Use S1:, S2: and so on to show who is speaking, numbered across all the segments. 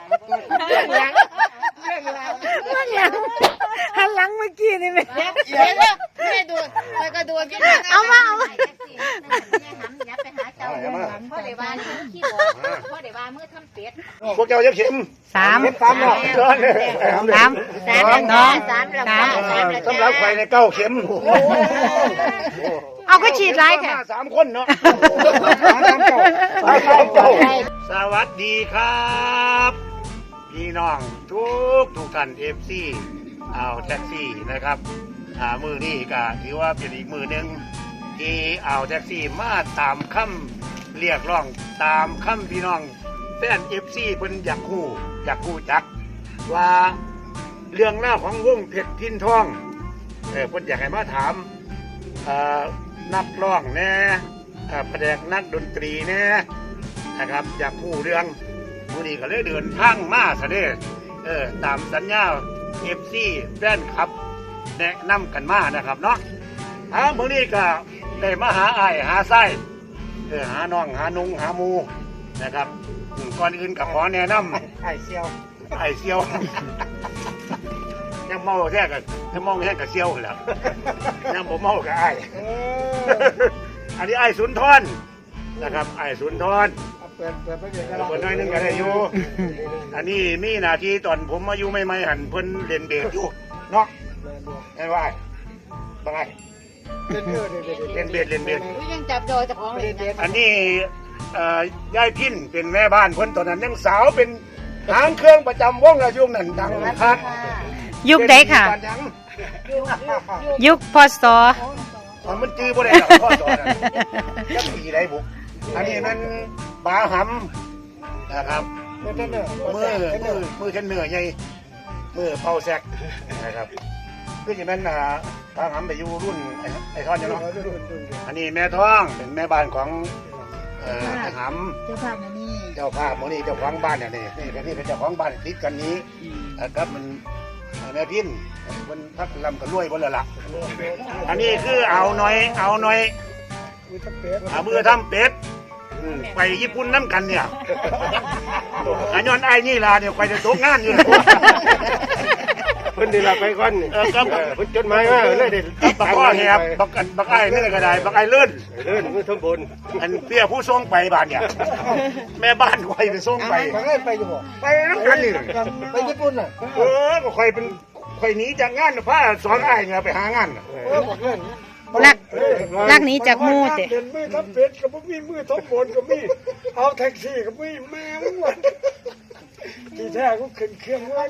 S1: เรื่องหลังหันหลังเมื่อกี้นี่ไหม
S2: เดี๋ยวไม่ดูไปก็ดูพี่
S1: เอามา
S2: ยับไปหาเจ้าพ่อเดี๋ยวว่าขี้บ่พ่อเดี๋ยวว่าเมื่อทำเป็ด
S3: พวกเจ้าจะเข็ม
S1: สาม
S3: สามเนาะ
S1: สาม
S3: สำหรับไฟในเก้าเข็ม
S1: เอาก็ฉีดไรแค่
S3: สามคนเนาะสวัสดีครับพี่น้องทุกท่านFC เอาแท็กซี่นะครับมือนี้ก็ถือว่าเป็นอีกมือหนึ่งที่เอาแท็กซี่มาตามคำเรียกร้องตามคำพี่น้องแฟน FC เพิ่นอยากคู่จักว่าเรื่องเล่าของวงเพชรพินทองเพิ่นอยากให้มาถามนักร้องแน่แผนกนักดนตรีแน่นะครับอยากคู่เรื่องมือนี้ก็เลยเดินทางมาซะเด้ตามสัญญา FC แฟนคลับแนะนำกันมานะครับเนาะมื้อนี้ก็ได้มาหาอ้ายหาไส้หาน้องหานุงหาหมูนะครับก่อนอื่นก็ขอแนะนำไอ้เซียวยังเมาแท้กันยังเมาแท้กับเซียวแหละยังบ่เมากับไอ้อันนี้ไอ้สุนทรนะครับไอ้สุนทรเปิดน้อยนึงก็ได้อยู่อันนี้มีหน้าที่ตอนผมมาอยู่ใหม่ๆหันเพิ่นเล่นเบสอยู่เนาะเห็นว่าบังไงเล่นเบส
S2: ยังจับโดยเจ้าของเลย
S3: อันนี้ยายพินเป็นแม่บ้านเพิ่นตอนนั้นยังสาวเป็นหางเครื่องประจำวงระยุ่งนั่นดังนะครับ
S1: ยุคใดค่ะ ยุคพศ
S3: มันจื้อบ่ได้หรอกพ่อสอนจะปีไรบุกอันนี้มันบาหำนะครับมือเทนเนอร์ใหญ่มือเป่าแซกนะครับคืออย่างนั้นบาหำไปอยู่รุ่นไอ้ท่อนอย่างเนาะอันนี้แม่ท้องเป็นแม่บ้านของไอ้หำเจ้าภาพนี่เจ้าของบ้านเนี่ยนี่เป็นเจ้าของบ้านติดกันนี้ครับมันแม่พินมันพักลำกันรวยบนละละอันนี้คือเอาหน่อยมือทำเป็ดไปญี่ปุ่นน้ำกันเนี่ยอันย้อนไอ้นี่ล่ะเนี่ยไปจะตกงานอยู่
S4: เพิ่นได้รับไปก่อน
S3: ครับ
S4: เพิ่นจดหมายมาเลยได้
S3: บักอ้อแหบบักไอ้นี่ก็ได้บักไอ้เลื่อน
S4: มือทั้งบน
S3: อันเปี้ยผู้ส่งไปบ้านเนี่ยแม่บ้านคอยไปส่งไป
S4: ไปอยู่บ่
S3: ไปน้ำกันนี่
S4: ไปญี่ปุ่นน่ะ
S3: ก็คอยเป็นคอยหนีจากงานพาสอนไอ้เนี่ยไปหางาน
S1: ลักนี้จากมูเตะ
S4: มือทับเป็ดกับมีมือทับบนกับมีเอาแท็กซี่กับมีแม่งวันที่แท้ก็ขึ้นเครื่องไว้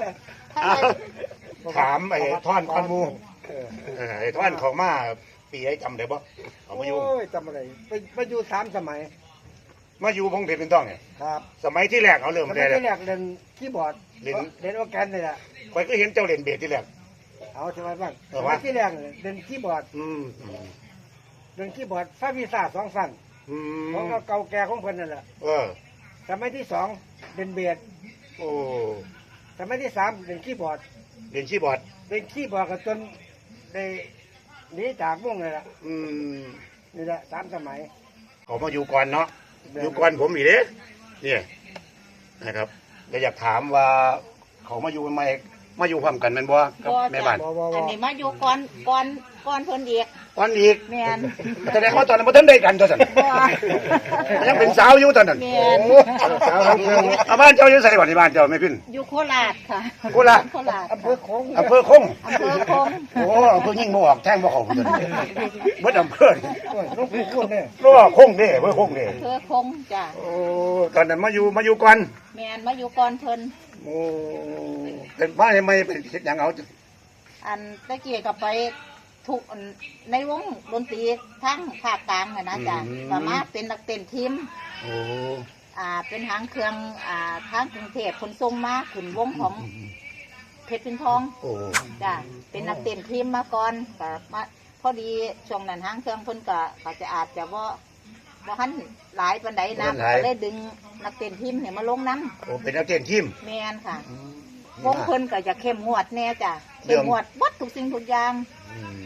S3: ถามไอ้ท่อนคอนมูไอ้ท่อนเขามาปีไอ้จำได้ปะเขามาอยู่
S4: จำอะไรไปอยู่3 สมัย
S3: มาอยู่พงเพชรเป็นต้องไง
S4: ครับ
S3: สมัยที่แรกเขาเริ่ม
S4: เล่นคีย์บอร์ดเล่นออร์แกนเลยล่ะ
S3: คอยก็เห็นเจ้าเล่นเบสที่แรก
S4: เอาใช่ไหมบ้างที่แรกเล่นคีย์บอร์ดเล่นคีย์บอร์ดฟาวิซ่า2 ฟังของเก่าแก่ของเพิ่นนั่นแหละสมัยที่2เล่นเบสสมัยที่3เล่นคีย์บอร์ดกันจนได้หนีจากวงเลยล่ะนี่แหละ3 สมัย
S3: เขามาอยู่ก่อนเนาะอยู่ก่อนผมอีกเด้เนี่ยนะครับก็อยากถามว่าเขามาอยู่ทำไมมาอยู่พร้อมกันแม่นบ่กับแม่บ้าน
S2: อันนี้มาอยู่ก่อนเพิ่นอีกแม่น
S3: แสดงว่าตอนนั้นบ่ทันได้กันตัวสั่นยังเป็นสาวอยู่ตอนนั้น
S4: สาวทั้งเมือง
S3: บ้านเจ้าอยู่ไสบ่ที่บ้านเจ้าแม่พิน
S2: อยู่โคราชค่ะ
S3: โคราช
S4: อำเภอคง
S3: โอ้อำเภอยิ่งบ่ออกแท่งบ่เข้าตัวนี้เบิดอำเภอ
S4: ลงคงเนี่ย
S3: คงเด้อำเภอคงเด้
S2: อำเภอคงจ้ะ
S3: ตอนนั้นมาอยู่ก่อน
S2: แม่นมาอยู่ก่อนเพิ่น
S3: เป็นบ้านไม่เป็นเฮ็ดหยังเอา
S2: อันตะกี้ก็ไปทุกในวงดนตรีทั้งภาคกลางนะจ๊ะสามารถเป็นนักเต้นทีมเป็นหางเครื่องทางกรุงเทพขนส่งมาขึ้นวงของเพชรพินทองจ้ะเป็นนักเต้นทีมมาก่อนก็มาพอดีช่วงนั้นหางเครื่องเพิ่นก็จะอาจจะว่าหันหลายปานใดนะก็เลยดึงนักเต้นทีมเนี่ยมาลงน้
S3: ำเป็นนักเต้นทีม
S2: แม่นค่ะวงเพิ่นก็จะเข้มงวดแน่จ้ะเข้มงวดวัดทุกสิ่งทุกอย่าง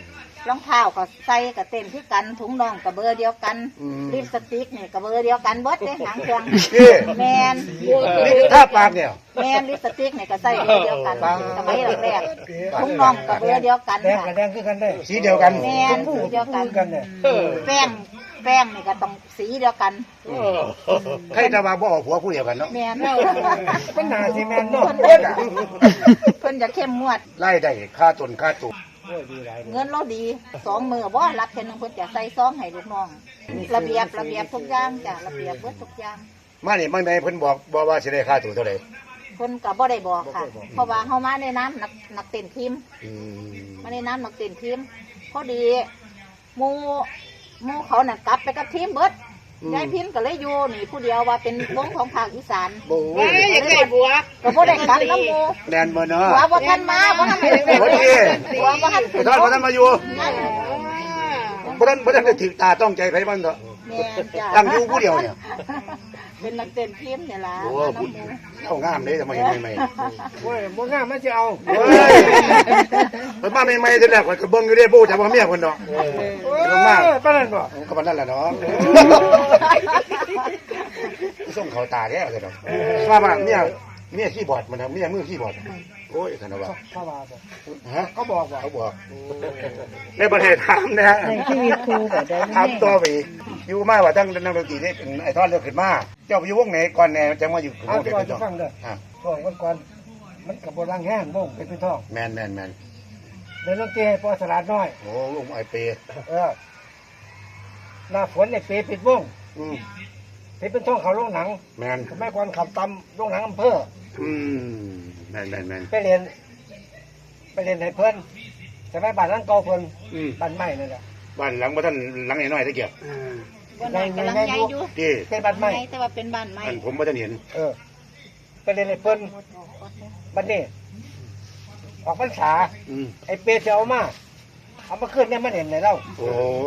S2: รองเท้าก็ใส่กับเต้นคือกันถุงน่องกับเบอร์เดียวกันลิปสติกนี่กับเบอร์เดียวกันเบิดเด้หางเครื่องแมน
S3: นี่ท่าปากเนี่ย
S2: แมนลิปสติกนี่ก็ใส่เบอร์เดียวกันสมัยแรกๆถุงน่องกับเบอร์เดียวกัน
S4: แดง
S2: ค่ะ
S4: กับแดงคือกันได้
S3: สีเดียวกัน
S2: แมนสีเดียวกัน
S4: กันเนี่ย
S2: แป้งนี่ก็ต้องสีเดียวกัน
S3: ใครจะมาบ่ออกหัวผู้เดียวกันเนาะ
S2: แมน
S4: มันหนาสิแมนเนาะ
S2: เพิ่นจะเข้มงวด
S3: ไล่ได้ค่าตนค่าตุก
S4: โอ้ยดีหลาย
S2: เงินเราดี2 มื้อบ่รับเพิ่นเพิ่นจะใส่ซองให้ลูกน้องระเบียบทุกอย่างจ้ะระเบียบเบิดทุกอย่าง
S3: มานี่ไม่เพิ่นบอกว่าสิได้ค่าตัวเท่าไหร่
S2: เพิ่นก็บ่ได้บอกค่ะ เพราะว่าเฮามาในน้ำนักเต้นทีม มาในน้ำนักเต้นทีมพอดีหมู่เขาน่ะกลับไปกับทีมเบิดยายพินก็เลยอยู่นี่ผู้เดียวว่าเป็นวงของภาคอีสาน
S3: โอ้ย
S2: ก็บ่ได้กลับน้ำหมู่
S3: แดนบ่เนาะ
S2: ว่าบ่ทันมาบ่ทันได้
S3: โอเค
S2: ว่าบ่ทัน
S3: ท่านบ่ทันมาอยู่บ่ทันได้ถึกตาต้องใจไผมันเถอะ
S2: แม่นจ้ะ
S3: ตั้งอยู่ผู้เดียวเนี่ย
S2: เป็นนักเต้นทีมเนี่ยล่ะ
S3: โอ้พูดเอางามเลยทำไมเห็นใหม่
S4: โอ้ยบ่งามมันจะเอา
S3: ๆเฮ้ยเพิ่นมาใหม่ๆทีแรกข่อยก็เบิ่งอยู่เด้บ่จักว่าเมียเพิ่นเนาะ
S4: โอ้ยปานนั้นบ่
S3: ก็ปานนั้นแหละเนาะส่งเขาตาแท้เลยเนาะว่าเมียคีย์บอร์ดมันเมียมือคีย์บอร์ดโอ้ยคั่นว่า
S4: เขาว่าบ่
S3: ฮะ
S4: เขาบอกว่า
S3: เขาบอกในประเทศถามนะฮะ
S1: ในชีวิตครูก็ได้
S3: ถามตัวไปอยู่มาว่าตั้งนักดนตรีนี่เป็นไอ้ท่อนเลือกขึ้นมาเจ้าไปอยู่วงไหนก่อนแน่จังมาอยู่ว
S4: เอา
S3: งเด็ก
S4: ก่อน
S3: เป็น
S4: จะ
S3: จ้อง
S4: ฟังเด้อ
S3: อ่ะ
S4: ช่วงก่อนมันกับโบราณแห้งบ่งเป็นทอง
S3: แมน
S4: เดินดนตรีให้ปอสลาดน้อย
S3: โอ้ลุงไอเป
S4: หน้าฝนเนี่ยเปปิดวง
S3: อืม
S4: เปเป็นทองเขาโรงหนัง
S3: แมน
S4: สมัยก่อนขับตำโรงหนังอำเภอ
S3: อืมแมน
S4: ไปเรียนให้เพิ่นสมัยบ้านนั้นเก่าเพิ่น
S3: อืม
S4: บ้านใหม่นั่นแหละ
S3: บ้านหลังบ่ท่านหลังน้อยๆตะเกียบ
S2: บ่น่ากำลังใหญ่อยู่
S3: ที่
S4: เป็นบ้านใหม่
S2: ใหญ่แต่ว่าเป็นบ้านใหม่
S3: อันผมบ่ทันเห็น
S4: ไปเรียนให้เพิ่นบัดนี้ออกพรรษา
S3: อืม
S4: ไอ้เปจะเอามาขึ้นเนี่ยมันเห็นไหนเล่า
S3: โอ้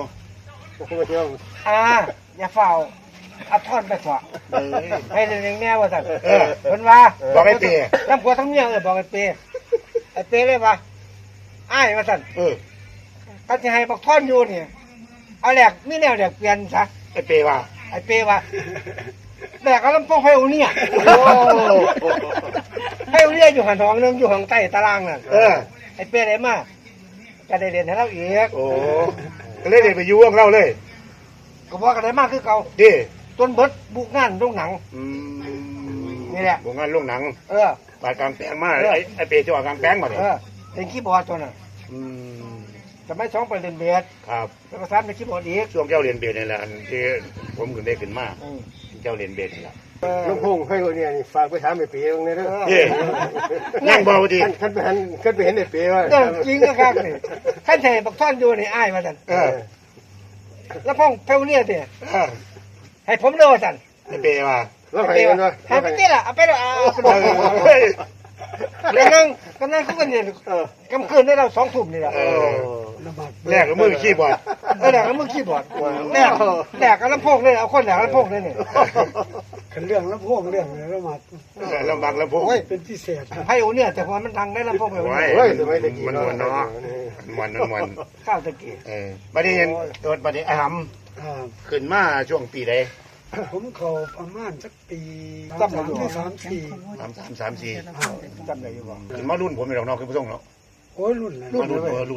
S4: อย่าเฝ้าเอาท่อนไปเถอะ
S3: เอ้ย
S4: ให้เรื่องแน่ว่าสั่น
S3: เออ
S4: เพิ่นว่า
S3: บอกไอ้เป
S4: ทั้งผัวทั้งเมียบอกไอ้เปเลยว่าอ้ายว่าสั่น
S3: เออ
S4: ก็จะให้บักท่อนอยู่นี่เอาแหลกมีแนวแหลกเปลี่ยนซะ
S3: ไอเปว่า
S4: ไอ้เปว่าแหลกเอาลำโพงไฟอูเนี่ย
S3: โอ้
S4: ไฟอูเนี่ยอยู่หันห้องนึงอยู่ห้องใต้ตารางน่ะ
S3: เออ
S4: ไอ้เปได้มาก็ได้เรียนให้เราอีก
S3: โอ้ก็เลยได้ไปอยู่วงเราเลย
S4: ก็บอกกันได้มากคือเก่า
S3: ดิ
S4: จนเบิดบุกงานโรงหนัง
S3: อืม
S4: นี่แหละ
S3: วงงานโรงหนัง
S4: เออ
S3: บาดกลางแปลงมาไอเปจะว่ากลางแปลงมาเนี่ย
S4: เป็นคีย์บอร์ดตัวน่ะ
S3: อืม
S4: จะไม่สองไปเรียนเบส
S3: ครับ
S4: แล้วก็สามเป็นคีย์บอร์ดอีก
S3: ช่วงเจ้าเรียนเบสนี่แหละอันที่ผมขึ้นได้ขึ้นมา
S4: อืม
S3: เจ้าเรียนเบสนี่แหละ
S5: ลูกพงให้คนเนี่ยฝากไปถามไอ้เป๋ตรงนี้ด้วย
S3: เย่นั่งเบาดี
S5: ท่านไปเห็นไอ้เป๋ว่า
S4: เรื่องจริงก็ครับนี่ขั้นแทนบักท่อนอยู่นี่อ้ายมาสั่น
S3: เออ
S4: แล้วพ่องเพลเนี่ยเนี่ย
S3: เออ
S4: ให้ผมเลิกสั่น
S3: ไอเปว่า
S5: แล้วใครกันวะ
S4: ให้ไปที่ละเอาไปเลยเอาไป
S3: เอ
S4: เลย
S3: อ
S4: แล้วนั่งก็นั่งคุยกันเนี่ยกำคืนได้เรา2 ทุ่มนี่แหละ
S3: เออแรกก็มือขี้บอด
S4: แหลกแล้วมึงคีย์บอร์ดแหลกกับลำโพงเลยเอาคนแหลกลำโพงเลยเนี่ย
S5: กันเรื่องแล้วพวกเรื่องแล้วมา
S3: ลำบากลำพง
S5: เป็นพิเศษ
S4: ไพ่โอเนี่ยแต่พอมันดังได้ลำโพงไป
S3: โอ้
S5: เฮ้
S3: ย
S5: ยสมัยตะกี้
S3: มันมันเนาะมัน
S4: ข้าวตะกี้
S3: เออบัดนี้เห็นตัวบัดนี้ไอ้หำขึ้นมาช่วงปีใด
S5: ผมเขาประมาณสักปี
S4: จำได้อยู่
S3: 3334
S4: จำได้อยู่บ่
S3: ขึ้นมารุ่นผมเป็นดอกนอกคือผู้ทรงเนาะ
S5: โอ้ยรุ่นเลย
S3: รุ่น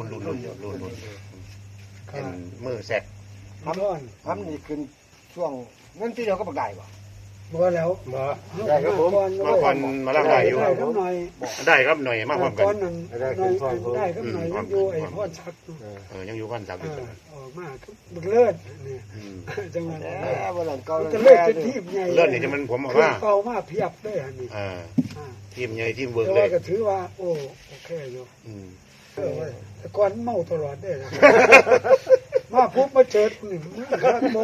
S3: เป็นมือแซก
S4: ทำนี่ขึ้นช่วงเงินที่เดียวก็บักได้บ่
S5: บ่แล้ว
S3: ได้ครับผมมาก่อนมาล่างได้อยู่
S5: ได้ก็หน่อย
S3: ได้ครับหน่อยมาพร้อมกัน
S5: ก่อนนั้นได้ก็หน่อยยังอยู่ไอ้พ่อชัก
S3: ยังอยู่กันสักอยู่
S5: ออกมาบึกเลิศนี่จังหวะ
S4: วันหลังเก่า
S5: จะเลิศเป็นทีมใหญ่
S3: เลื่อนนี่จะมันผมบอกว่า
S5: เก่ามาเพียบด้วยอันนี้
S3: ทีมใหญ่ทีมเวิร์ก
S5: แต่
S3: เล
S5: ว่าย ก็ถือว่าโอ้โอเคอยู่แต่ก่อนเมาตลอดได้นะมาพบมาเจอหนึ่งครับโม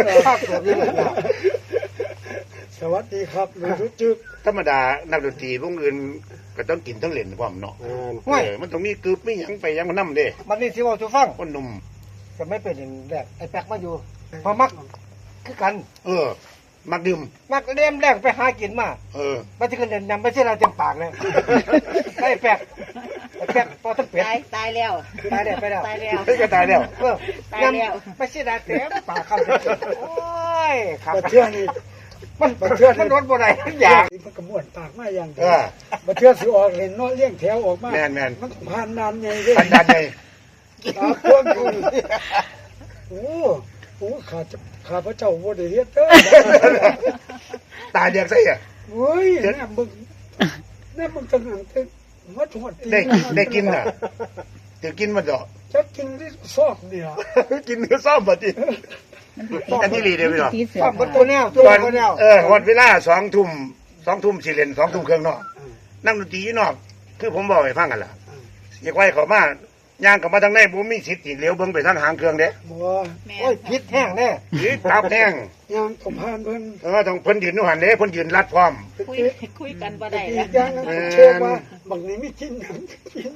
S5: สวัสดีครับหนูจุ๊บ
S3: ธรรมดานักดนตรีพวกอื่นก็ต้องกินต้องเล่นพร้อมเนาะมันต้องมีกึบมีหยังไปยังมันนำเด้
S4: มันนี่สิเว้าสู่ฟัง
S3: คนหนุ่ม
S4: ก็ไม่เป็นอย่างแรกไอ้แป๊กมาอยู่พอมักคือกัน
S3: มักดื่ม
S4: มักเลี้ยมแรกไปหากินมา มันจะขึ้นเดินนำไปเชื่อเราเต็มปากเลยไอ้แปกพอทั้งเป็ด
S2: ตายแล้ว
S4: ตายแล้วไปแล้ว
S2: ตายแล้ว
S3: เฮ้ยก็ตายแล้ว
S2: ตายแล้ว
S4: ไม่ใช่ได้เต็มปากคำโอ้ยครับ
S5: บัดเทื่อนี่
S4: มันรถบ่ได้อย่าง
S5: มันก็ม่วนปากมาอย่างเดี
S3: เอ
S5: ยว
S3: อ
S5: บัดเทื่อสิออกเล่นเนาะเลี้ยงแถวออกมา
S3: แม่น
S5: มันผ่านนานไงเด้
S3: สันดานไง
S5: ตาพ่วงอยู่โอ้โหข้าพระเจ้าบ่ได้เฮ็ดเด้อ
S3: ตาเดียกใส่อะ
S5: เฮ้ยแน่มึงตั้งหันตึกมาถวดตี
S3: ได้กินน่ะถือกินมันดอก
S5: จะกินที่ซอกเนี่ย
S3: กินเนื้อซ่อมบัดนี้อันที่รีเดียวพี่น้อง
S4: ชอบตัวแนวตัว
S3: ตอน
S4: แนว
S3: วันเวลา2 ทุ่มสิเล่น2 ทุ่มครึ่งเนาะนั่งดนตรีอยู่นอกคือผมบอกให้ฟังกันล่ะอย่าไว้เขามาย่างกลับมาทางในบ่มีสิทธิ์สิเลี้ยวเบิ่งไปทางหางเครื่องเด้
S5: บ่
S4: โอ้ยพิษแห้งแน่
S3: หรือตับแห้ง
S5: ยางต้องผ่านเพิ่น
S3: ต้องเพิ่นยืนอยู่หันเด้เพิ่นยืนรัดพร้อม
S2: คุยกันบ่ได้
S5: อี
S2: แล้ว
S5: กอย่างนึงเชื่อว่าบางนี้ไม่กินหยังกิน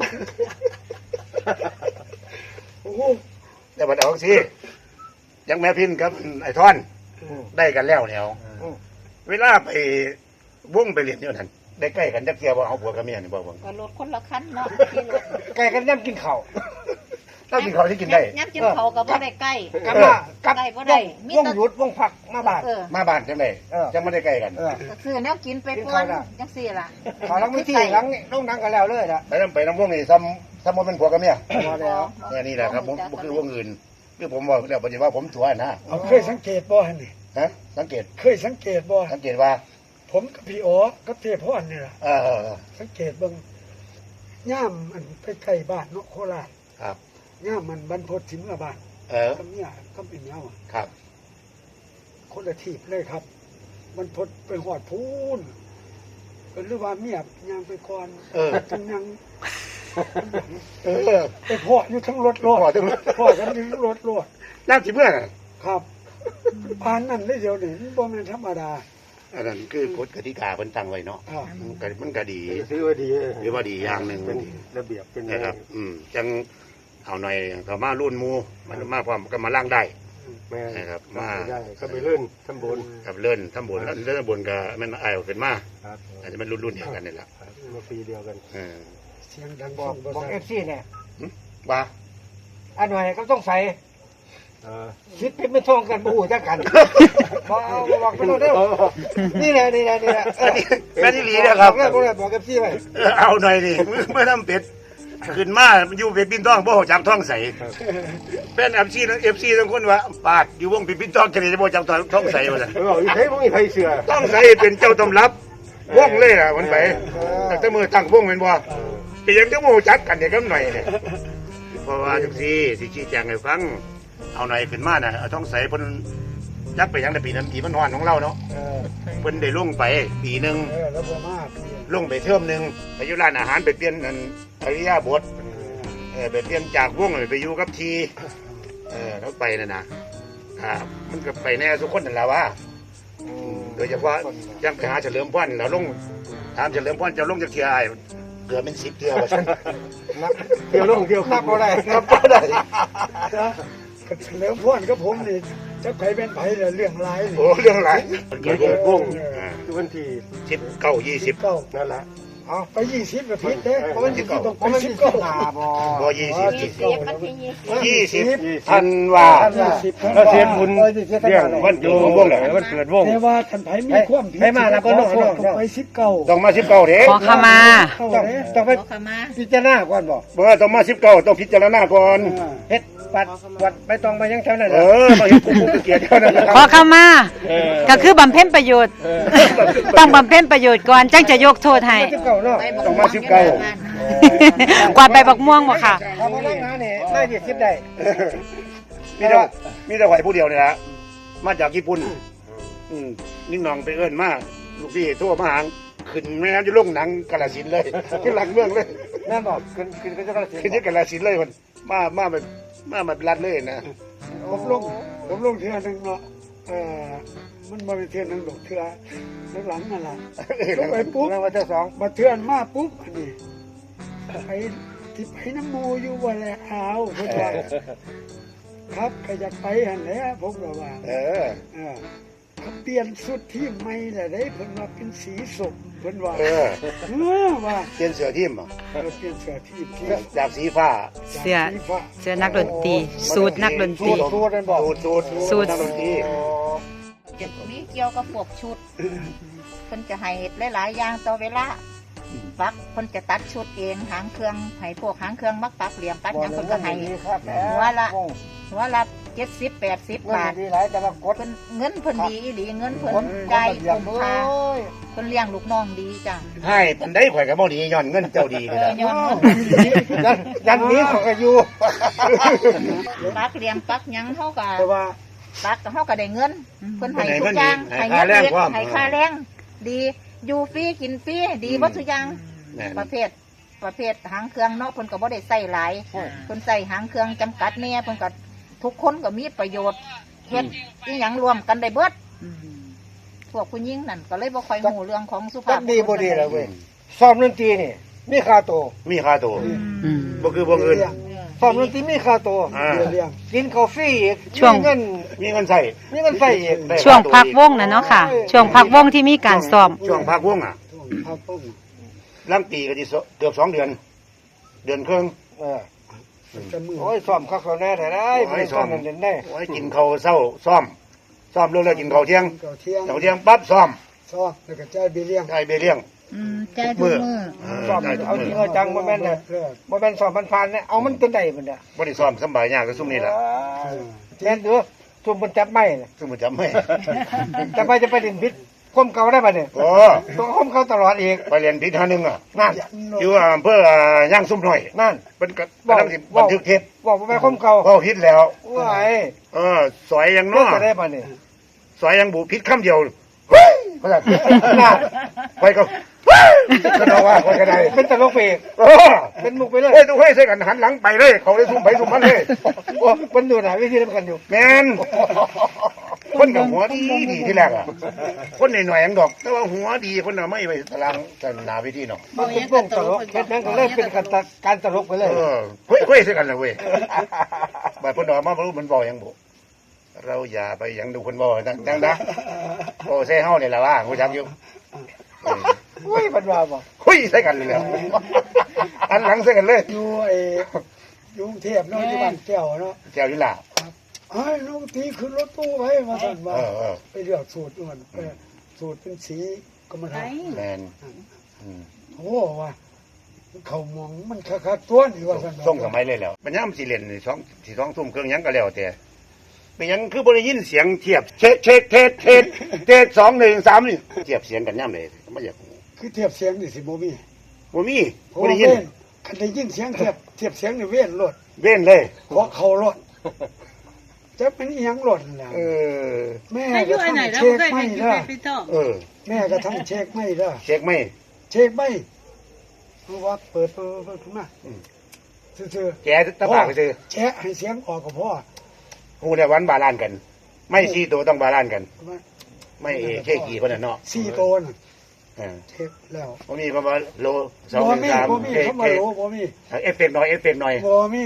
S5: โอ้โห
S3: แต่บัดเอาสิยังแม่พินกับไอ้ท่อนได้กันแล้วแถวเวลาไปวงไปเรียนอยู่นั่นได้ใกล้กันจักเที่ยวบ่เอาผัวกับเมียนี่บ่เบิ่ง
S2: ก็รถคนละคันเนาะขี่รถ
S4: ไก่กันย่ำกินข้าว
S3: เรากินข้าวที่กินได้
S2: ยับกินเขาก็บ่ได้ใกล้
S4: กลับมากับ
S2: ได้บ่ได้มี
S4: วง
S2: แต่
S4: หยุดวงผักมาบ้าน
S3: มาบ้านจังได๋จังบ่ได้ใกล้กัน
S2: ก็ซื้อแนวกินไปก่อนจังซี่ล่ะ
S4: ขอล้างมือที่ล้างต้องนั่งกันแล้วเลยนะ
S3: ไปน้ำวงนี่ซ้ำบ่เป็นผัวกับเมีย
S4: พอแล้ว
S3: นี่แหละครับผมบ่คือวงอื่นคือผมบอกแล้วปฏิว่าผมตัวนะ
S5: เอาเคยสังเกตบ่หั่นนี่
S3: ฮะสังเกต
S5: เคยสังเกตบ่
S3: สังเกตว่า
S5: ผมกับพี่อ๋อกับเทพรนี่ล่ะ สังเกตเบิ่งย่ามอันไปใกล้บ้านเนาะโคราช
S3: ครับ
S5: ย่ามมันบรรพตสิเมื่อบ้าน กับเนี่ยก็เป็นเงาอะ
S3: ครับ
S5: คนละทีบเลยครับ มันพดไปหอดพูนหรือว่าเมียยังไปก่อนจังยังไปพออยู่ทั้งรถ
S3: พอถึง
S5: พอกันอยู่ทั้งรถ
S3: น้ำสิเมื่อน่ะ
S5: ครับผ่านนั่นเลยเดียวนี่มันบ่แม่นธรรมดา
S3: อันนั้นคือกฎกติกาเพิ่นตั้งไว้เนาะ
S5: ครับ
S3: มันก็ดี
S4: ถือว่าดี
S3: หรือว่าดีอย่างหนึงมันดี
S4: ระเบียบเป็น
S3: นะครับจังเอาหน่อยเขามารุ่นหมู่มันมาพร้อมก็มาล้างได้
S4: แม่
S3: นะครับมา
S4: ได้ก็ไปเลื่อนทำบุญ
S3: กับเลื่อนทำบุญแล้วเลื่อนทำบุญก็มันอายออกขึ้นมา
S4: ครับ
S3: อาจจะมันรุ่นเดียวกันนี่แหละ
S4: มาปีเดียวกัน
S5: เสียงดัง
S4: บอก
S5: ฟัง
S4: บอก
S5: บ่
S4: เอ
S5: ซั
S4: ฟซีเนี่ย
S3: ว่า
S4: อันหน่อยก็ต้องใส่คิดเป็นไม่ท่องกันบูหูจักกันบอกไปเด้อนี่แหละนี่แหละนี่แหละ
S3: แม่ที่หลีนะครับ
S4: บอกเอฟซีไป
S3: เอาหน่อยดิเมื่อทำเป็ดขึ้นมาอยู่เป็ดปิ้นต้องบ่ฮู้จักท้องใสเป็นเอฟซีทั้งคนว่าปาดอยู่วงเป็ดปิ้นต้องจะได้บ่จักท้องใสว่าซั่น
S4: บอกอีกใครบ่มีใครเชื่อ
S3: ท้องใสเป็นเจ้าตำรับวงเลยล่ะมันไปตั้งแต่มือตั้งวงแม่นบ่เป็นยังจะบ่ฮู้จักกันเด็กกับหน่อยเนี่ยเพราะว่าจังซี่สิชี้แจงให้ฟังเอาหน่อยขึ้นมาน่ะเอาท้องใสเพิ่นจักไปยังแต่ปีนั้นปีมันฮ้อนของเราเนาะเพิ่นได้ลงไปปีนึง
S5: แล้วบ่มาก
S3: ลงไปเทิมหนึ่งไปอยู่ร้านอาหารไปเปลี่ยนนั่นอริยาบทไปเปลี่ยนจากวงไปอยู่กับทีเขาไปนั่นนะมันก็ไปแน่ทุกคนนั่นแหละว่าโดยเฉพาะยังไปหาเฉลิมพรแล้วลงถามเฉลิมพรจะลงจากเทียไอ้เกือบเป็น10 เทียว่าฉัน
S4: เที่ยวลงเที่ยวนับบ่ได้
S3: นับบ่ได้
S5: ก็เฉลิมพรกับผมนี่จะไผเป็นไผเรื่องหลายนี่
S3: โอ้เรื่องอะไรเกิดวง
S4: คือวันที่
S3: 19 20
S4: นั่นแหละ
S5: เอาไป20กับพิษเด้เพราะมันสิต้องไป
S4: มันมี
S5: 19
S4: สิบหาบ่
S3: บ่20 20ธันวา
S4: เราเสียบุญเรื่องวันอยู่วงไหนวันเกิดวง
S5: แต่ว่าท่านไผมีความผิด
S4: ให้มาแล้วก็น้อง
S5: ต้องไป19
S3: ต้องมา19เด้
S1: ขอขมา
S4: ต้องไป
S2: ขอขมา
S4: พิจารณาก่อนบ่
S3: ต้องมา19ต้องพิจารณาก่อน
S4: เฮ็ดวัดไปต้องไปยังแถวนั้น
S3: มาเห็นกูเกียรติเท่านั้นนะค
S1: ขอ
S3: รับ
S1: ขมา ก็คือบำเพ็ญประโยชน์ ต้องบำเพ็ญประโยชน์ก่อนจังจะยกโทษให้
S4: 19เนาะ
S3: ต้องมา19
S1: กวาดใบบักม่วงบ่ค่ะ
S4: เอามานั่งหานี่ได้20ได้
S3: มีแต่ไหวผู้เดียวนี่ละมาจากญี่ปุ่นนิ่งนองไปเอิ้นมาลูกพี่ทั่วมาหางขึ้นแม่น้ำจะลงหนังกาฬสินธุ์เลยขึ้นหลังเมืองเลย
S4: แม่บอกขึ้นก็จะกระสิ
S3: ขึ้นที่กาฬสินธุ์เลยมันมาแบบรัดเลยนะ
S5: ผมลงเทื่อนึงเนาะมันบ่ได้เทื่อนึงดอกเทื่อหลังนั่นล่ะลงไปปุ๊บ
S4: แล้ววันที่2
S5: มาเทื่อนมาปุ๊บอันนี้ไปที่ไปน้ำมูอยู่บ่แลเอาเพิ่นว่าครับใครอยากไปหั่นแหละผมก็ว่าเขาเปลี่ยนสุดที่ใหม่แหละได้เพิ่นว่าเป็นสีส้มเพิ่นว่า
S3: เออ
S5: ว่า
S3: เปลี่ยนเสื้อทีมอ่ะ
S5: เปลี่ยนเสื้อที่
S3: จากสีฟ้า
S1: เสื้อนักดนตรีสูตรนักดนตรี
S3: สูตรนั่นบอกสูตรนักดนตรี
S2: จะมีเกี่ยวกับพวกชุดเพิ่นจะให้หลายๆอย่างต่อเวลาปักเพิ่นจะตัดชุดเองหางเครื่องให้พวกหางเครื่องมักปักเหลี่ยมปักหยังเพิ่นก็ให้หัวละ70-80 บาท
S4: ดีหลายแต่ว่ากด
S2: เพิ่นเงินเพิ่นดีอีหลีเงินเพิ่นได้คุ้มค่าเพิ่นเลี้ยงลูกน้องดีจ้ะ
S3: ให้ปันได้ข่อยกับบ่ดีย้อนเงินเจ้าดีเลยนะ
S2: ย้อนเงินดี
S4: ยันนี้เขาก็อยู่
S2: ปักเหลี่ยมปักหยังเฮาก็
S5: แต่ว่า
S2: ปักก็เฮาก็ได้เงินเพิ่นให้ทุกอย่างให้เงินเด็กให้ค่าแรงดีอยู่ฟรีกินฟรีดีบ่ทุกอย่าง
S3: แม่น
S2: ประเภทหางเครื่องเนาะเพิ่นก็บ่ได้ใส่หลายเพิ่นใส่หางเครื่องจำกัดแน่เพิ่นก็ทุกคนก็มีประโยชน์เฮ็ดอีหยังรวมกันได้เบิดพวกผู้หญิงนั่นก็เลยบ่ค่อยฮู้เรื่องของสุภา
S4: จั
S2: พ
S4: กดีบ่ดีแล้วเว้ยซ้อมดนตรีนี่มีค่าตัว
S3: มีค่าตัว
S1: อืม
S3: บ่คือบ่อื่น
S4: ซ้อมดนตรีมีค่าตัว
S3: อ่า
S5: เรื่อง
S4: กินข้าวฟรีอีก
S1: ช่วง
S4: มีเงิน
S3: มีเงินใส่
S4: มีเงินใส่อีก
S3: ได้
S1: ช่วงพักวงน่ะเนาะค่ะ ช่วงพักวงที่มีการซ้อม
S3: ช่วงพักวงอ่ะ
S5: พักต้อง
S3: ลังปีก็สิเกือบ2 เดือน เดือนครึ่ง
S4: เออ
S5: จะมือ
S4: โอ้ยซ้อมคักเขาแน่แต่ได้
S3: โอ้ย
S4: ซ้อม
S3: ซ้อม
S4: เด่นได้
S3: โอ้ยกินข้าวเช้าซ้อมเลิกแล้วกินข้าวเที่ยง
S5: เก่าเที่ยง
S3: ข้าวเที่ยงปั๊บซ้อม
S5: ซ้อแล้วก็จ่ายเบี้ยเลี้ยง
S3: ได้เบี้ยเลี้ยง
S2: ใจทุกมื้อ
S4: ซ้อมเอาจริงเอาจังบ่แม่นน่ะ
S5: เลิก
S4: บ่แม่นซ้อมผ่านๆเนี่ยเอามันจนได้พุ่นน่ะ
S3: บ่ได้ซ้อมสำบายยากก็ซุ่มนี่ล่ะ
S4: แม่นอยู่ซุ่มบนจับไม้น่ะ
S3: ซุ่มบ่จำไม่
S4: จับไม้จะไปดินพิษความเก่าได้ป่ะเนี่ย
S3: โอ้
S4: ต้องความเก่าตลอดอีก
S3: ไปเรียนพิษหาหนึงอ่ะ
S4: นั่น
S3: อยู่อำเภอย่างซุ่มน้อย
S4: นั่น
S3: เป็นกำลังสิบันทึกเทป
S4: บอกว่าไปความเก่า
S3: เว้าผิดแล้ว
S4: ว้าย
S3: สอยยัง
S4: เลิ
S3: เนาะ
S4: กจะได้ป่ะเนี่ย
S3: สอยยังบุผิดคำเดียวเฮ้ยเขาจะน่าไปก็เฮ้ยก็เอาว่าคนก็ได้
S4: เป็นตลกไปอีก
S3: เออ
S4: เป็นมุกไปเลย
S3: เฮ้ยต้องให้ใส่กันหันหลังไปเลย เขาได้ซุ่มไปซุ่มมันเลย
S4: โอ้มันอยู่ไหนวิธีนั้นกันอยู่
S3: แมนคนกับหัวดีดีที่แรกอ่ะ คนหน่อยๆยังดอก แต่ว่าหัวดีคนน่ะไม่ไปตารางสนาวิธีเนาะ
S4: มันเป็นวงตลกเป็นนั้นก็เลยเป็นการตลกไปเลย
S3: เออเฮ้ยเฮ้ยใส่กันเลยเว้ยบัดเพิ่นดอกมาบ่รู้มันบอกหยังบ่เราอย่าไปหยังดูคนบอกดังนะโอ้ใส่เฮานี่แหละว่าฮู้จักอยู่
S4: อุ้ยมันว่าบ่
S3: คุยใส่กันเลยแล้วอันหลังใส่กันเลย
S5: อยู่กรุงเทพเนาะอยู่บ้านแก้วเนาะ
S3: แก้วนี่ล่ะ
S5: ไอ้น้องตีขึ้นรถตู้ไว้มาสั่นว่า
S3: เออ
S5: ไปเลือกสูตรด่วนไปสูตรเป็นสีกรรมฐาน
S3: แมนอืม
S5: โอ้ว่าเขามองมันคักๆตัวนี่ว่าสั่น
S3: ส่งสมัยเลยแล้วมันย่ำสิเล่นนี่สองทุ่มเครื่องหยังก็แล้วแต่เป็นหยังคือบ่ได้ยินเสียงเทียบเช็คเทส2 1 3นี่เทียบเสียงกันย่ำเลยไม่อยาก
S5: คือเทียบเสียงนี่สิบ่มี
S3: บ่มี
S5: เพราะ
S3: บ่
S5: ว่า
S3: ได้ยิน
S5: เว้นคันได้ยินเสียงเทียบเสียงนี่เว้นรถ
S3: เว้นเลย
S5: เพราะเขารถจะเป็นอีหยังรถนั่นแหละ
S3: เออ
S5: แม่
S6: ถ้าอ
S5: ก็
S6: ยู่อันไหน
S5: ทำ
S6: เรา
S5: เช็ค
S6: เคย
S5: ไม่
S6: ไป
S5: ได้
S6: ไปท่อง
S3: เออ
S5: แม่ก็ทำเช็คไม่ได้
S3: เช็คไหม
S5: เช็คไม่เพราะว่าเปิดขึ้นมาซื่อ
S3: แกตะปากไปซื้อ
S5: ๆแชะให้เสียงออกก็พอ
S3: ฮู้แล้ววันบาลานซ์กัน ไม่สี่ตัวต้องบาลานซ์กัน
S5: ว่า
S3: ไม่เช่กี่คนน่ะเนาะ
S5: 4ตัวน่ะ
S3: เออ
S5: เช็คแล้ว
S3: บ่มีประมาณโล2
S5: บ่
S3: 1
S5: มี
S3: 3
S5: เขามาโหลบ่มี
S3: เอฟเฟกต์หน่อย
S5: บ่มี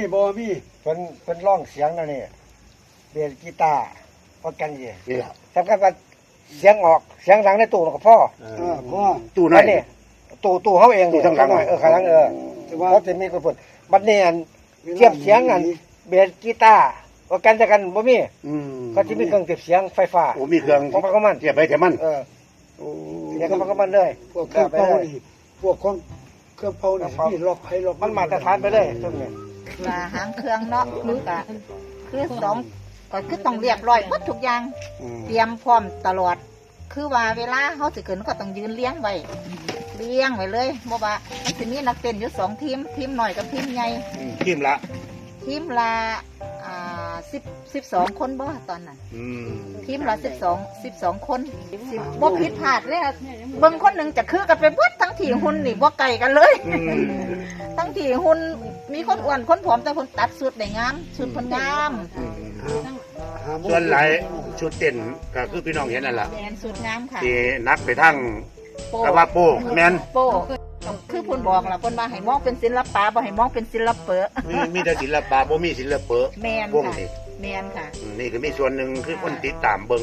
S4: เป็นร้องเสียงนั่นนี่เบสกีตาร์ประกันยี่
S3: นี่ล่ะ
S4: สำคัญว่าเสียงออกเสียงหลังในตู้ก็พ่อ
S5: พ่อ
S3: ตู้น้อย
S4: นี่ตู้เขาเอง
S3: ตู้ข้างหลัง
S4: ข้างหลัง
S5: แต่ว่า
S4: เขาจะมีคนพูดบัดนี้อันเทียบเสียงอันเบสกีตาร์ประกันจะกันบ่มี
S3: อืม
S4: เขาจะมีเครื่องเก็บเสียงไฟฟ้า
S3: โอ้มีเครื่อง
S4: ของมันก็มัน
S3: เทียบไปเทียบมัน
S4: เสียงของมันก็มันเลย
S5: พวกเครื่องเป่านี่พวกของเครื่องเป่านี่มีล็อกให้ล็อก
S4: มันมาตรฐานไปเลยตรงนี้
S2: ว่าหางเครื่องเนาะคือสองก็คือต้องเรียบร้อยหมดทุกอย่าง เตรียมพร้อมตลอด คือว่าเวลาเขาสิขึ้นก็ต้องยืนเลี้ยงไว้เลี้ยงไว้เลยเพราะว่ามันจะมีนักเต้นอยู่2 ทีมทีมหน่อยกับทีมใหญ่
S3: ทีมละ
S2: ทีมละ12 คนบ่ตอนนั้น
S3: อืม
S2: ทีมละ12 คนบ่ผิดพลาดเลยอะเบิ่งคนหนึ่งจะคือกันไปเบิดทั้งที่หุ่นนี่บ่ไกลกันเลย ทั้งที่หุ่นมีคนอ้วนคนผอมแต่คนตัดสุดได้งามสุดเพิ่นงาม
S3: ส่วนหลายชุดเต้นก็คือพี่น้องเห็นนั่นล่ะ
S2: แมนสุดงามค่ะ
S3: ที่นักไปทั้ง
S2: โป้
S3: กะว่าโป้แมน
S2: โป้คือเพิ่นบอกล่ะเพิ่นว่าให้มองเป็นศิลปะบ่ให้มองเป็นศิลปะ
S3: มีแต่ศิลปะบ่มีศิลปะ
S2: แมน
S3: วง
S2: ค่ะ
S3: นี่
S2: แมนค่ะ
S3: นี่ก็มีส่วนหนึ่งคือคนติดตามเบิ่ง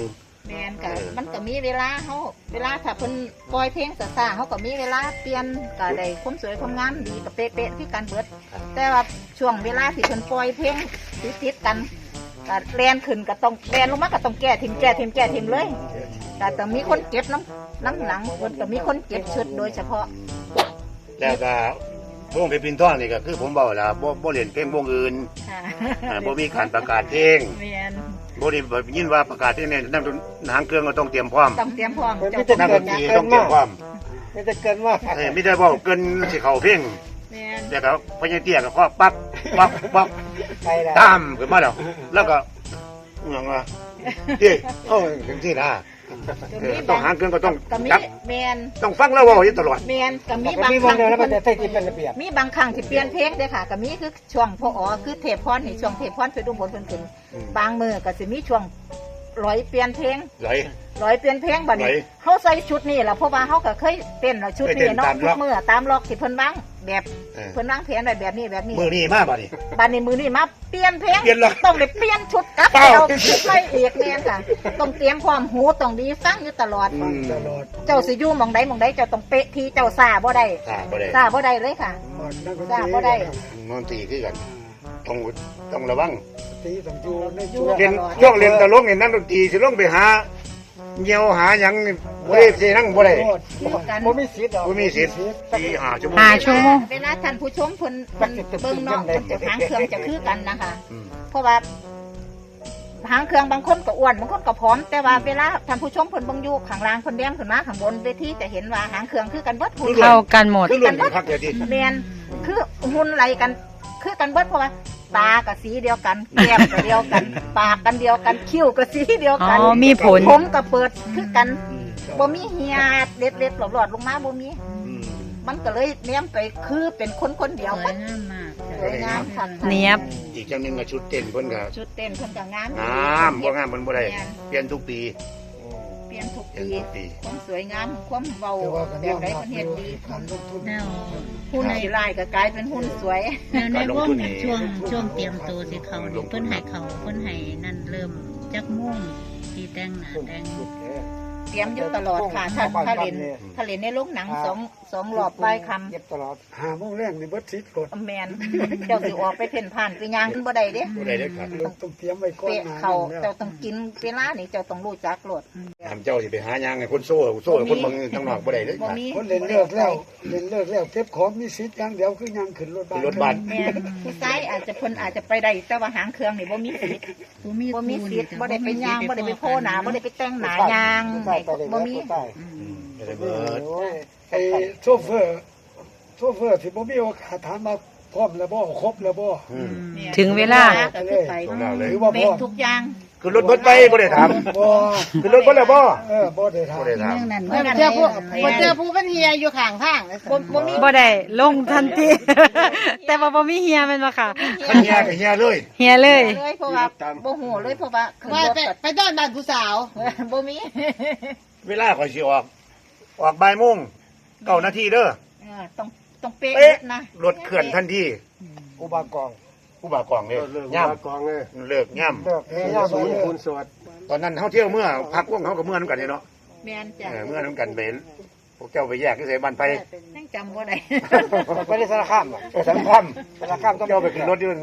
S2: แม่นก็มันก็มีเวลาถ้าเพิ่นปล่อยเพลงซ่าๆเฮาก็มีเวลาเปลี่ยนก็ได้ความสวยความงามดีก็เป๊ะๆคือกันเบิดแต่ว่าช่วงเวลาที่เพิ่นปล่อยเพลงติดๆกันก็แล่นขึ้นก็ต้องแล่นลงมาก็ต้องแก้ทิมเลยแต่ต้องมีคนเก็บน้ำหลังเพิ่นก็มีคนเก็บชุดโดยเฉพาะ
S3: แล้วก็วงเพชรพินท่องนี่ก็คือผมบอกแล้วบ่เล่นเพลงวงอื่น
S2: ค่ะ
S3: บ่มีการประกาศเพลง
S2: แม่น
S3: บ่ได้ยินว่าประกาศเพลงเนี่ยนักหางเครื่องก็ต้องเตรียมพร้อม
S2: ต้องเตรียมพร้อม
S4: มัน
S2: เจ้า
S4: ไม่
S2: ต้
S4: ได้
S2: อง
S3: นัก
S2: เต
S3: ด
S2: รียม
S3: นตรีต้องเตรียมพร้อม
S4: ไม่ได้เกินว่า
S3: ไม่ได้บอกเกินสิเข้าเพลง
S2: แม่น
S3: แต่ก็พญาเตี้ยก็ปั๊บ
S4: ไปแล้ว
S3: ตามขึ้นมาแล้วก็อิหยังว่าเตี้ยจังซี่นะต้องหางเครื่องก็ต้อง
S2: ก็มี
S3: จับ
S2: แม่น
S3: ต้องฟังแล้วเว้าอยู่ตลอด
S2: แม่นก็มี
S4: มี
S2: บาง
S4: มี
S2: ค
S4: วั
S2: รั้
S4: น
S2: ง
S4: เดียว
S2: ที่
S4: แล้วมัน
S2: เพิ่น
S4: จะใส่ที่เป็นระเบียบ
S2: มีบางครั้งที่เปลี่ยนเพลงเด้อค่ะก็มีคือช่วงพอคือเทพพรนี่ช่วงเทพพรไปดูบนเพิ่นขึ้นบางมือก็สิมีช่วงร้อยเปลี่ยนเพลง
S3: ไหล
S2: ร้อยเปลี่ยนเพลงบัดนี้
S3: ไหน
S2: เฮาใส่ชุดนี้ล่ะเพราะว่าเฮาก็เคยเต้นแล้วชุดนี้เนาะ
S3: เคยเต้นตามล็อก
S2: ทุกมื้อตามล็อกที่เพิ่นวางแบบ
S3: เออ
S2: เพิ่นวางแผนไว้แบบนี้
S3: มือนี้มาบัดนี้
S2: บัดนี้มือนี้มาเปลี่ยนเพลง
S3: เปลี่ยนล็อก
S2: ต้องได้เปลี่ยนชุดกลับ
S3: เปล่า
S2: เอาชุดใหม่อีกแม่นค่ะต้องเตรียมความหูต้องดีฟังอยู่ตลอด
S5: ตลอด
S2: เจ้าสิอยู่หม่องใดเจ้าต้องเป๊ะที่เจ้าซ่าบ่ได้
S3: บ่ได้
S2: ซ่าบ่ได้เลยค่ะ
S5: มันนักดนต
S2: จ้า
S5: รี
S2: บ่ได้
S3: นอนตีคือกันต้องระวัง
S5: ตีต้องอยู่ใน
S2: อยู่
S5: ช่วง
S3: เรียนช่วงเรียนตลกนี่นักดนตรีสิลงไปหาเหี่ยวหาหยังนี่บ่ได้สินั่งบ่ได้
S2: อยู่กัน
S4: ผมไม่สิทธิ์หรอก
S3: บ่มีสิทธิ์ตีหาชั่วโมง
S1: 5 ชั่วโมง
S2: เวลาท่านผู้ชมเพิ่นเบิ่งเนาะเพิ่นจะหางเครื่องจะคือกันนะคะ
S3: อืม
S2: เพราะว่าหางเครื่องบางคนก็อ้วนบางคนก็ผอมแต่ว่าเวลาท่านผู้ชมเพิ่นเบิ่งอยู่ข้างล่างเพิ่นแดงขึ้นมาข้างบนเวทีจะเห็นว่าหางเครื่องคือกันเบิดหุ่น
S1: เข้ากันหมด
S3: คือล้วนกันคักเดียวที
S2: แมนคือหุ่นไหลกันคือกันเบิดเพราะว่าตากับสีเดียวกันแก้มก็เดียวกัน ปากกันเดียวกันคิ้วก็สีเดียวกัน
S1: อ๋อมีผล
S2: ผมก็เปิดคือกันบ่มีเหียเล็ดๆหลอดๆลงมาบ่มี มันก็เลยเนี้ยมไปคือเป็นคนเดียว
S6: สวยงามมาก
S2: สวยงามค่ะ
S1: เนียบ
S3: อีกจังหนึงก็ชุดเต้นเพิ่นก็
S2: ชุดเต้นเพิ่นก็งาม
S3: งามบ่งามเพิ่นบ่ได้เปลี่ยนทุกปี
S2: เปลี่ยนทุก
S3: เปลี่ยน
S2: ปี
S3: ทุกปี
S2: ความสวยงามความเบา
S5: แต่ว่ากัน
S2: แบ
S5: ย
S2: บ
S5: อม
S2: ใด
S5: รับ
S2: มัน
S5: อ
S2: เฮ็ด
S5: ยู่
S2: ดี
S5: การลงทุน
S6: แล้ว
S2: หุ่นสีลายก็กลายเป็นหุ่นสวย
S6: แล้วในวงน่ะช่วงเตรียมตัวสิเขานี่เพิ่นให้เขาเพิ่นให้นั่นเริ่มจักม่วงที่แต่งหน้าแต่ง
S2: เตรียมอยู่ตลอดค่ะถ้าเล่นในโรงหนังสองรอบใบคำ
S4: เก็บตลอด
S5: หาโมงแรงนี่เบิดสิทธิ์กด
S2: แมนเจ้าสิออกไปเพ่นผ่านไปย่างบ่ได้เด้
S3: บ่ได้เด้อครับ
S5: ต้องเตรียมไว้ก่อน
S2: เปะ
S5: หน้
S2: เขา
S5: นั้น
S2: เจ้า
S5: แล้ว
S2: ต้องกินเวลานี่เจ้าต้องรู้จักโลด
S3: ถามเจ้าสิไปหาหยังให้คนโซ่ให้คนเบิ่งทางนอกบ่ได้เด้อ
S2: บ่
S3: ครับ
S2: มี
S5: คนเล่นเลิกแล้วเล่นเลิกแล้วเก็บของมีสิทธิ์อย่างเดียวคือยังขึ้นรถบ้าน
S3: รถบัส
S2: แม่นผู้ชายอาจจะเพิ่นอาจจะไปได้แต่ว่าหางเครื่องนี่บ่มีสิทธิ์
S6: ผู้มี
S2: บ่มี
S6: คู่
S2: สิทธิ์บ่ได้ไปย่างบ่ได้ไปโพหน้าบ่ได้ไปแต่งหน้า
S4: ใช่
S2: ย่าง
S4: ใช่ไปเลย
S2: บ่มี
S4: ใช่
S3: บ่ได้เบิด
S4: โอ้ย
S5: ไอ้โชเฟอร์ที่บ่มีโอกาสถามมาพร้อมแล้วบ่ครบแล้วบ่
S3: อืม
S2: แม่น
S1: ถึงเวลา
S2: ก็คือไป
S3: ตรงนั้นเลย
S5: หรือว่าพ
S2: เป๊ะ
S5: ร้อม
S2: ทุกอย่าง
S3: คือรถเบิดไปบ่ได้ถาม
S5: บ่
S3: คือรถเบิดแล้วบ่
S5: บ่ได้ถาม
S3: บ่ได้ถาม
S6: เรื่องนั้น
S2: เมื่อ
S6: ว่า
S2: เจอผู้
S6: เจอผู้เป็นเฮียอยู่ข้างทาง
S2: บ่มี
S1: บ่ได้ลงทันที แต่ว่าบ่มีเฮียแม่นบ่ค่ะ
S3: คันเฮียก็เฮียเลย
S1: เฮียเลย
S2: เลยเพราะว่าบ่ฮู้เลยเพราะว่าขึ้น
S6: ว่าร
S2: ถ
S6: ไปไปต้อนบ้านผู้สาว
S2: บ่มี
S3: เวลาข่อยสิออกบ่ายโมง9นาทีเด้อ
S2: ต้องเป๊ะ
S3: เป๊ะ
S2: นะ
S3: รถเคลื่อนทันที
S4: อุบากอง
S3: ผู้บ่าวกองเลยย่ำ
S4: กองเลย
S3: เลิกย่
S4: เลิกย่าศูนย์คูณสวด
S3: ำตอนนั้นเฮาเที่ยวเมื่อพักวงเฮาก็เมื่อนํกันนี่เนาะ
S2: แม่นจ้ะ
S3: เมื่อนํกันไปพวกเจ้าไปแยกที่ไสบ้านไผ
S2: ยังจำบ่ได้
S4: ไปได้สารคามอ่ะ
S3: ไปสังคัม
S4: สารคามต้อง
S3: เจ้าไปขึ้นรถอยู่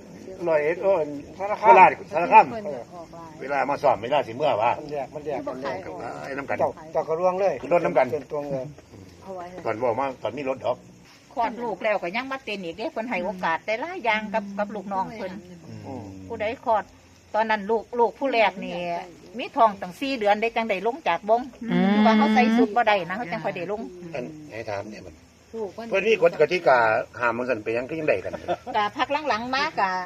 S3: 101
S4: สาร
S3: โค
S4: คาม
S3: ราชสารคามเวลามาสอบเวลาสิเมื่อว่า
S4: มันแยกกัน
S3: ไอ้น้ำกัน
S4: เจ้ากระรวงเลย
S3: ขึ้นรถน้ำกัน
S4: เป็นตัวเงิน
S3: ตอนบอกมาตอนมีรถดอก
S2: คลอดลูกแล้วก็ยังมาเต้นอีกเด้เพิ่นให้โอกาสแต่หลายอย่างกับลูกน้องเพิ่นผู้ใดคลอด ตอนนั้นลูกผู้แรกนี่มีท้องตั้ง4 เดือนได้จังได้ลงจากบง
S1: อืม
S2: ว่าเขาใส่สุดบ่ได้นะเขาจังค่อยได้ลง
S3: อันให้ถามเนี่ยมันเพื่อนนี่กฎกติกาห้ามมันสั่นไปยังก็ยังได้กัน
S2: กะพักหลังๆมากะ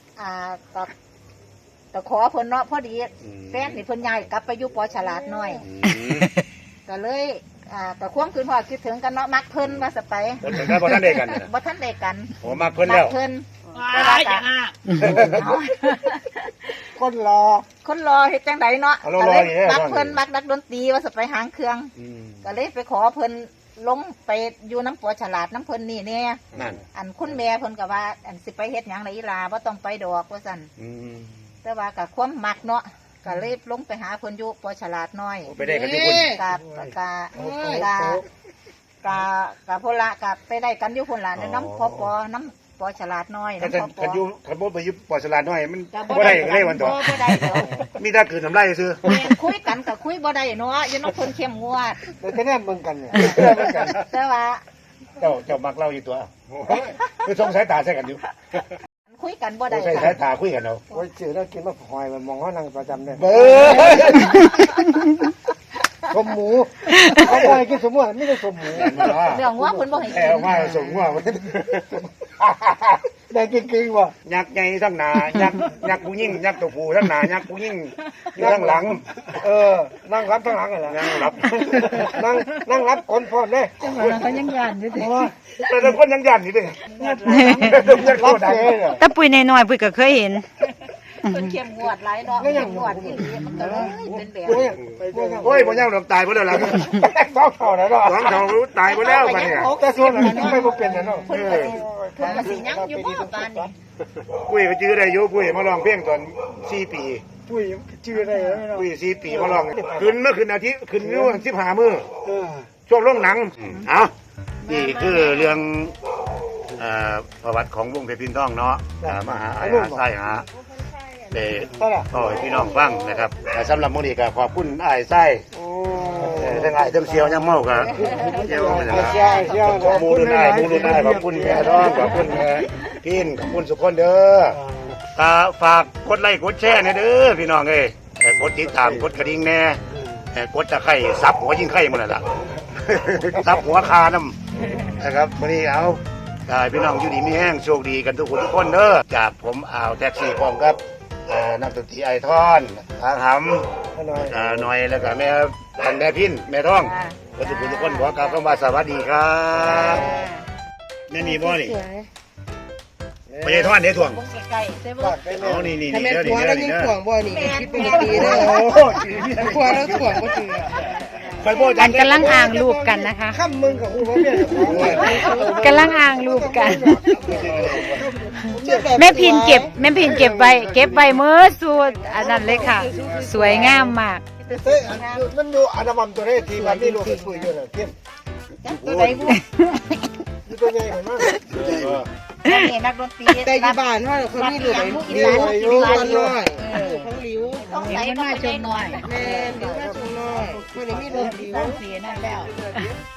S2: ก็ขอเพิ่นเนาะพอดีแฟนนี่เพิ่นย้ายกลับไปอยู่ปอฉลาดน้อย ก็เลยก็ควงคืนพอคิดถึงกันเนาะมักเพิ่นว่าสไป
S3: คนถึงได้บ่ทันได้กัน
S2: บ่ทันได้กัน
S3: โอ้มาเพิ่นแล้ว
S2: มักเพิ่นแต่ว่าก็เอา
S4: คนรอ
S2: คนรอเฮ็ดจังไดเนาะ
S3: เอารอ
S2: ก็เลย
S3: อยู่เนี่ย
S2: มักเพิ่นมักนักดนตรีว่าสไปหางเครื่อง ก็เลยไปขอเพิ่นลงไปอยู่น้ำปัวฉลาดน้ำเพิ่นนี่เนี่ย
S3: นั่น
S2: อันคุณแม่เพิ่นก็ว่าอันสิไปเฮ็ดหยังไรอีหลาบ่ต้องไปดอกว่าซั่นแต่ว่าก็ความมักเนาะก็เลยลงไปหาเพิ่นอยู่ปอฉลาดน้อย
S3: ไปได้กันทุกคน
S2: กับพนละกับไปได้กันอยู่คนละในน้ำน้ำปอฉลาดน้อย
S3: กัน
S2: น้ำพอ
S3: อยู่ขันบ่ไปอยู่ปอฉลาดน้อยมันบ่ได้ก็เลยวันต่อ
S2: บ่ได้เดี๋ยว
S3: มีแต่คืนน้ำลายซื่อ
S2: คุยกันกับคุยบ่ได้เนาะอยู่น้องคนเข้มงวด
S4: เดี๋ยวจะแน่เบิ่งกันเนี่ย
S2: แต่ว่า
S3: เจ้ามักเล่าอยู่ตัวคือสงสายตาใส่กันอยู่
S2: คุยกันบ่ได้
S3: ใส่สายตาคุยกันเอา
S4: โอ้ยจืดแล้วกินมาหอยมันมองว่านั่งประจำเนี่ย
S3: เบ้อ
S4: สมหมูเขาบ่ให้กินสมหมูไม่ได้สมหมู
S2: เรื่องว่าเพิ่นบ่ให้
S3: แอ
S2: กิ
S3: วน มาส่งว่า
S4: ได้กินกึ่งว่ะ
S3: ยักษ์ใหญ่ทั้งหน้ายักษ์ผู้ยิ่งยักษ์ตัวผู้ทั้งหน้ายักษ์ผู้ยิ่งอยู่ทั้งหลัง
S4: นั่งรับทั้งหลังเหรอ
S3: ยังรับ
S4: นั่งรับคนพร้อมเลย
S6: จังหวะนั้นก็ยังยานอยู่ดิ
S3: แต่ละคนยังยันอยู่ดิ
S4: รับเสียเหรอ
S1: แต่ปุ้ยน้อยๆปุ้ยก็เคยเห็น
S2: เพิ่นเข้มงวดหลายเนาะเข้มงวดอีหลีมันก็เลยเป็นแบบ
S3: โอ้ยผมยังหลบตายไปแล้วล่ะ
S4: สองเท่าแล้วเนาะ
S3: สองเขาตายไปแล้วกันเนี่ย
S4: แต่ส่วนหลังไม่บ่เป็นนะเนาะ
S2: เพิ่นก็สิยังอยู่บ่ปานนี้
S3: ปุ้ยก็จื้อได้อยู่ปุ้ยมาลองเพลงตอน4 ปี
S4: ปุ้ยชื่ออะไรเนาะ
S3: ปุ้ย4 ปีมาลองขึ้นเมื่อคืนอาทิตย์ขึ้นเมื่อ15 มื้อ
S4: เออ
S3: ช่วงโรงหนังเอานี่คือเรื่องประวัติของวงเพชรพินทองเนาะมาหาไอ้หาไส้หาเด็ก็ให้พี่น้องฟังนะครับสำหรับมื้อนี้ก็ขอบคุณไอ้ไส้
S4: โอ้
S3: ทั้งไอ้ทั้งเสียวยังเมากับเสียวมันนะ
S4: ใช่ใช่
S3: ขอบคุณได้มูลได้ขอบคุณแม่ท้องขอบคุณแม่พินขอบคุณสุขคนเด้อฝากกดไลค์กดแชร์เด้อพี่น้องเอ้ยกดติดตามกดกระดิ่งแน่กดตะไคร้ซับหัวยิงไข่หมดแล้วล่ะซับหัวคาน้ำนะครับวันนี้เอาพี่น้องอยู่ดีมีแห้งโชคดีกันทุกคนทุกคนเด้อจากผมอ่าวแท็กซี่พร้อมครับนักดนตรีไอทอนทางหำหน่อยแล้วก็แม่ทางแม่พินแม่ท้องก็ทุกคนทุกคนขอกล่าวคำว่าสวัสดีครับนี่มีบ่นี่ไม่ใช่ทอนเดี๋ยวถ่วง
S2: วงใกล้ๆใช่บ่
S3: อ๋อนี่
S7: ถ้าแม่
S3: เดี๋ยว
S7: ผัว
S3: นี่
S7: เรา
S3: เดี๋ยว
S7: ยิ่
S3: นี่
S7: ง
S3: เด้
S7: ถ่ว
S3: อง
S7: บ่นี่คิดเป็นดีเด้อ
S3: โอ้โห
S7: ผัวเราถ่วงบ่ถือ
S3: ไปโบ้
S1: กันกำลังอ่างรูปกันนะคะ
S4: ข้ามมึงกับกูว่าเนี่ย
S1: กำลังอ่างรูปกัน แม่พินเก็บไว้เมื่อสูตรอันนั้นเลยค่ะ สวยงามมาก
S4: เฮ้ยมันอยู่อันดับตัวนี้ทีมันนี่ลูกปุ้ยอยู่น่ะเทียบ
S2: ตัวใดบ่
S4: อยู่ตัวใหญ่มาก
S2: นี่นักดนตรี
S7: แต่อยู่บ้านว่าเขามีลูก
S2: ลิ้ว
S7: ลิ้วกันน้อยทั้งลิ้ว
S2: ต้องใส่ต้องใส่หน่อย
S7: แม่ลิ้วมาชงน้อยคนนี้มีลูกลิ้ว
S2: สีนั่นแล้ว